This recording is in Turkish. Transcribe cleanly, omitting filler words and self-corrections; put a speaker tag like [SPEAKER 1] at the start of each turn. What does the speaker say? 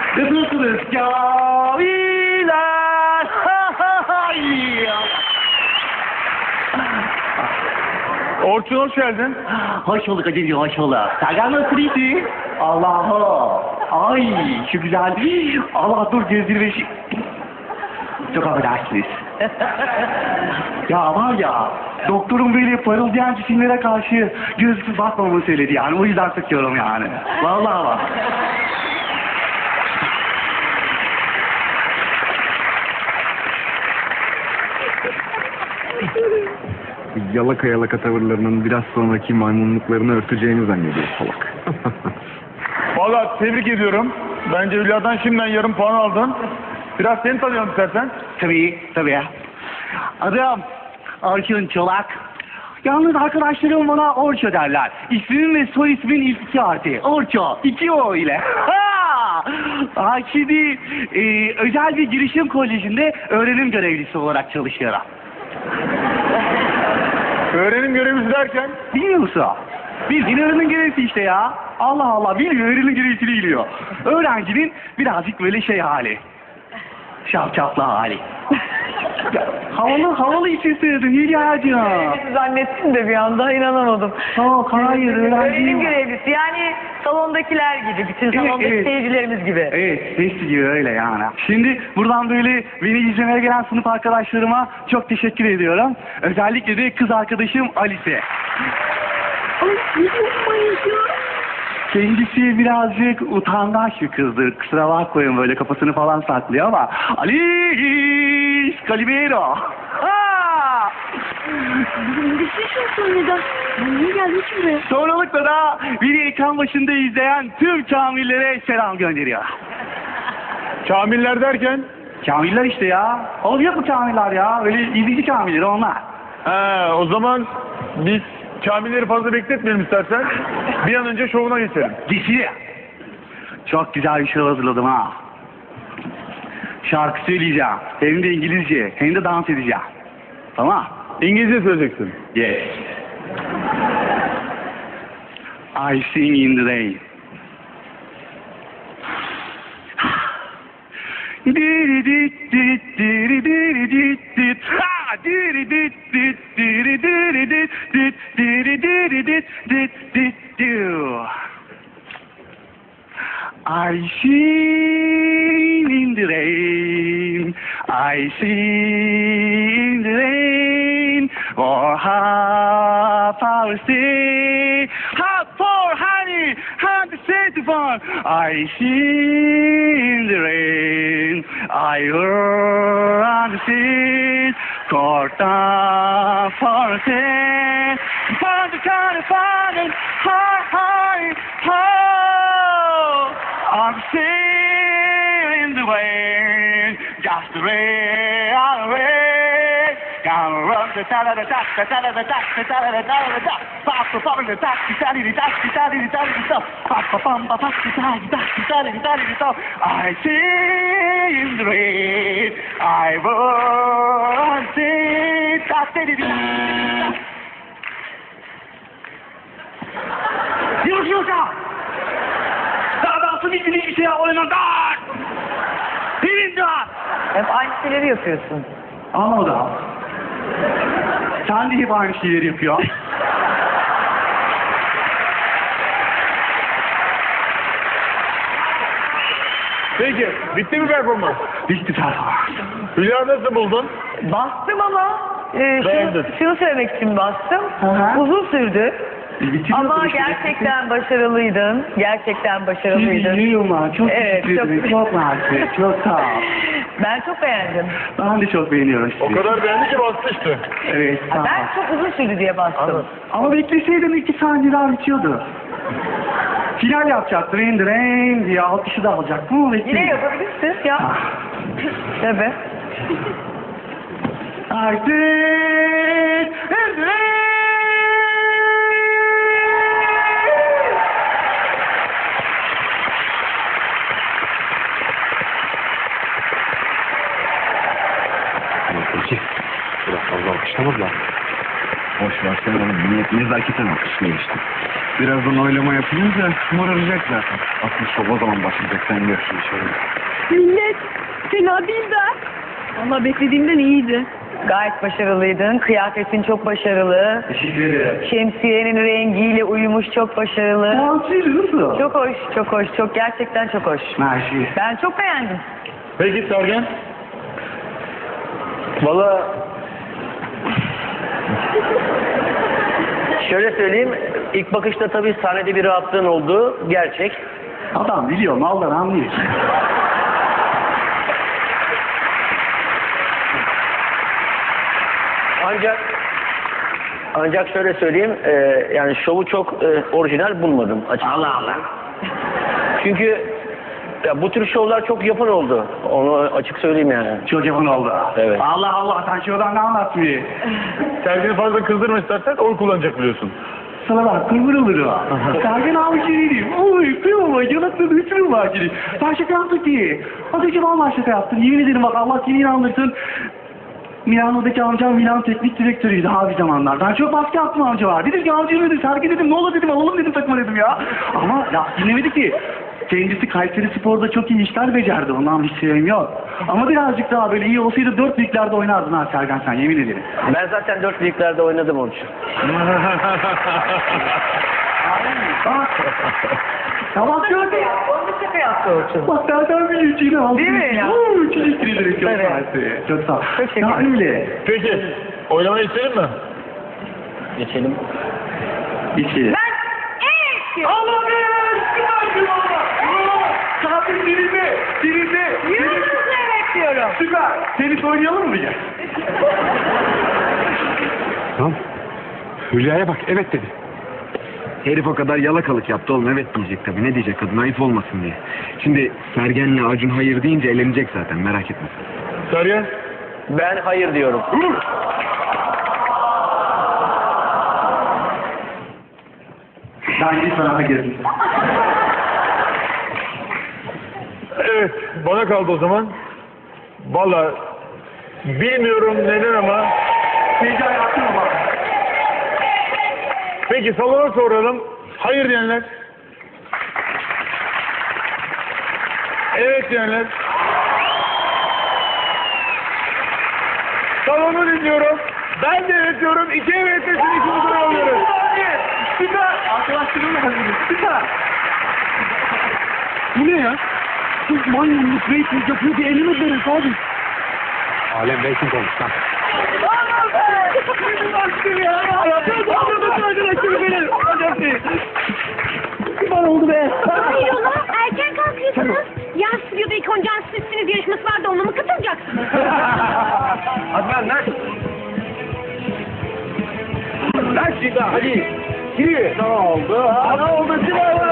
[SPEAKER 1] Nasılsınız camiler?
[SPEAKER 2] Orçun hoş geldin.
[SPEAKER 1] Hoş bulduk hacıcığım, hoş bulduk. Sergen nasıl iyisi? Allah'ım. Ay şu güzel. Allah dur gözlerime şu... Çok affedersiniz. Ya var ya, doktorum böyle parıldayan cisimlere karşı gözsüz bakmamamı söyledi yani. O yüzden sıkıyorum yani. Vallahi bak.
[SPEAKER 3] Yalaka yalaka tavırlarının biraz sonraki maymunluklarını örteceğini zannediyor salak.
[SPEAKER 2] Valla tebrik ediyorum. Bence Hülya'dan şimdiden yarım puan aldın. Biraz seni tanıyalım istersen.
[SPEAKER 1] Tabii. Adım Orçun Çolak. Yalnız arkadaşlarım bana Orço derler. İsmim ve soy ismin ilk iki harfi. Orço. 2 O ile. Şimdi özel bir girişim kolejinde öğrenim görevlisi olarak çalışıyorum.
[SPEAKER 2] Öğrenim görevlisi derken
[SPEAKER 1] Bilmiyor musun? Bildiğin öğrenim görevlisi işte ya. Allah Allah, bilmiyor, öğrenim görevlisi biliyor. Öğrencinin birazcık böyle şey hali. Şapşaplı hali. Ya, havalı için söyledim Hülya'cığım.
[SPEAKER 4] Zannettim de bir anda inanamadım.
[SPEAKER 1] Hayır,
[SPEAKER 4] Öğrenim görevlisi yani salondakiler gibi, bütün salondaki
[SPEAKER 1] evet.
[SPEAKER 4] seyircilerimiz gibi.
[SPEAKER 1] Evet, hepsi gibi öyle yani. Şimdi buradan böyle beni izlemeye gelen sınıf arkadaşlarıma çok teşekkür ediyorum. Özellikle de kız arkadaşım Alice. Kendisi birazcık utangaç bir kızdır. Kusura bakmayın, böyle kafasını falan saklıyor ama... Alice Calimero.
[SPEAKER 5] Düşüşünsün neden? Niye geldin ki buraya?
[SPEAKER 1] Sonralıkla da beni ekran başında izleyen tüm kamillere selam gönderiyor.
[SPEAKER 2] Kamiller derken
[SPEAKER 1] Kamiller işte ya. Oğlum yok mu kamiller ya? Öyle izleyici kamilleri onlar.
[SPEAKER 2] o zaman biz kamilleri fazla bekletmeyelim istersen. Bir an önce şovuna geçelim.
[SPEAKER 1] Dişi. Çok güzel bir şey hazırladım ha. Şarkı söyleyeceğim. Hem de İngilizce. Hem de dans edeceğim. Tamam.
[SPEAKER 2] İngilizce söyleyeceksin.
[SPEAKER 1] Yes. I sing in the rain. Diri dit dit diri diri dit dit ha diri dit dit diri diri dit dit diri diri dit dit dit do. I sing in the rain, I sing in the rain, for half our stay, half for honey, half the city fun. I sing in the rain, I run the sea, corta for a day, for the kind of fun, high, high, high. I'm sailing the way, just the way I way. Gonna run the ta da da da da da da da da da da da da. Pop the pop the ta da da da da da da da. Pop the pop the pop the ta da da da da da. I see in the rain, I won't see da da da da. Yürü. Nasıl bir şey oynadan? Birinden.
[SPEAKER 4] Hep aynı şeyleri yapıyorsun.
[SPEAKER 1] Anladım. Sen de hep aynı şeyleri yapıyor.
[SPEAKER 2] Peki, bitti mi performans?
[SPEAKER 1] Bitti performans.
[SPEAKER 2] Hülya nasıl buldun?
[SPEAKER 4] Bastım ama
[SPEAKER 2] Beğendin.
[SPEAKER 4] şunu söylemek için bastım.
[SPEAKER 1] Hı.
[SPEAKER 4] Uzun sürdü.
[SPEAKER 1] Bitiriyorsun
[SPEAKER 4] Ama
[SPEAKER 1] işte.
[SPEAKER 4] gerçekten başarılıydın. Gerçekten başarılıydın.
[SPEAKER 1] Biliyorum, çok
[SPEAKER 4] Evet,
[SPEAKER 1] teşekkür ederim. Çok mersi, çok sağ ol.
[SPEAKER 4] Ben çok beğendim.
[SPEAKER 1] Ben de çok beğeniyorum sizi.
[SPEAKER 2] O kadar beğendi ki bastı işte.
[SPEAKER 1] Evet, sağ ol.
[SPEAKER 4] Ben çok uzun sürdü diye bastım.
[SPEAKER 2] Anladım.
[SPEAKER 1] Ama bekleseydim 2 saniye daha bitiyordu. Final yapacaktım, rain diye alkışı da alacaktım ama
[SPEAKER 4] Yine
[SPEAKER 1] bekledim.
[SPEAKER 4] yapabilirsin ya. Tabii.
[SPEAKER 1] Artık
[SPEAKER 3] Peki. Biraz fazla alkışlamadılar. Boş ver sen onu. millet nezaketen alkışlıyor işte. Birazdan oylama yapılınca moraracak zaten. Asıl şov o zaman başlayacak, sen görürsün şöyle.
[SPEAKER 5] Millet fena değil de. Valla beklediğimden iyiydi.
[SPEAKER 4] Gayet başarılıydın. Kıyafetin çok başarılı.
[SPEAKER 1] Teşekkür ederim.
[SPEAKER 4] Şemsiyenin rengiyle uyumuş, çok başarılı.
[SPEAKER 1] Nasıl?
[SPEAKER 4] Çok hoş, çok hoş. Çok gerçekten çok hoş.
[SPEAKER 1] Mersi.
[SPEAKER 4] Ben çok beğendim.
[SPEAKER 2] Peki Sergen?
[SPEAKER 6] Valla şöyle söyleyeyim, ilk bakışta tabii sahnede bir rahatlığın olduğu gerçek.
[SPEAKER 1] Adam biliyor, maldan anlıyor.
[SPEAKER 6] Ancak şöyle söyleyeyim, yani şovu çok orijinal bulmadım açıkçası.
[SPEAKER 1] Allah Allah.
[SPEAKER 6] Çünkü ya bu tür şovlar çok yapın oldu. Onu açık söyleyeyim yani.
[SPEAKER 1] Çok yapın oldu.
[SPEAKER 6] Evet.
[SPEAKER 1] Allah Allah, sen şuradan ne anlatmıyor?
[SPEAKER 2] Sergen'i fazla kızdırma istersen oy kullanacak biliyorsun.
[SPEAKER 1] Sana bak, kırmır olur o. Sergen abi şey oy, kıyma, yanakları üçünü var gibi. Ben şaka yaptık ki. Az önce vallahi şaka yaptım. Yemin ederim bak, Allah seni inandırsın. Milano'daki amcam Milan teknik direktörüydü abi zamanlar. Ben çok baskı yaptım amca var. Dedim ki amca dedim, Sergen dedim, ne olur dedim, alalım dedim takıma dedim ya. Ama ya dinlemedi ki. Kendisi Kayseri Spor'da çok iyi işler becerdi. Ondan bir şeyim yok. Ama birazcık daha böyle iyi olsaydı 4 liglerde oynardın ha Sergen, sen yemin ederim.
[SPEAKER 6] Ben zaten 4 liglerde oynadım onun için.
[SPEAKER 1] Tamam gördün.
[SPEAKER 4] Onu da şaka yaptı Orçun.
[SPEAKER 1] Bak nereden biliyor içine aldım.
[SPEAKER 4] Değil mi ya?
[SPEAKER 1] Teşekkür ederim. Çok
[SPEAKER 4] Evet.
[SPEAKER 1] mersi. Çok sağ ol.
[SPEAKER 4] Çok şeker.
[SPEAKER 1] Ya öyle.
[SPEAKER 2] Peki, oylamayı isterim mi?
[SPEAKER 6] Geçelim.
[SPEAKER 1] İçi.
[SPEAKER 4] Ben evet.
[SPEAKER 1] Allah be! Süper bir baba! Tatil dirildi! Dirildi!
[SPEAKER 4] Yürüyüşle evet diyorum.
[SPEAKER 1] Süper! Tenis oynayalım mı ya?
[SPEAKER 3] Tamam. Hülya'ya bak, evet dedi. Herif o kadar yalakalık yaptı oğlum, evet diyecek tabii. Ne diyecek kadın, ayıp olmasın diye. Şimdi Sergen'le Acun hayır deyince elenecek zaten, merak etme.
[SPEAKER 2] Sergen?
[SPEAKER 6] Ben hayır diyorum.
[SPEAKER 1] Ben gidip sana girdim.
[SPEAKER 2] Evet, bana kaldı o zaman. Valla bilmiyorum neden ama.
[SPEAKER 1] Heyecan yaptın ama.
[SPEAKER 2] Peki salona soralım. Hayır diyenler. Evet diyenler. Salonu dinliyorum. Ben de evet diyorum. İki evet desin, ikimizi alıyoruz.
[SPEAKER 1] Süper! Arkadaşlarımla hazırım. Süper! Bu ne ya? Sırf maymunluk rating yapıyor diye elini öderiz abi.
[SPEAKER 3] Alem rating olmuş lan.
[SPEAKER 1] Bana oldu be.
[SPEAKER 5] Hayrola erken kalkıyorsunuz. Yan stüdyoda ilk oncan sizsiniz yarışması var da ona mı katılacaksınız?
[SPEAKER 6] Adnan lan. Lan şurada hadi. Giriyor.
[SPEAKER 1] Ne oldu? Ne oldu?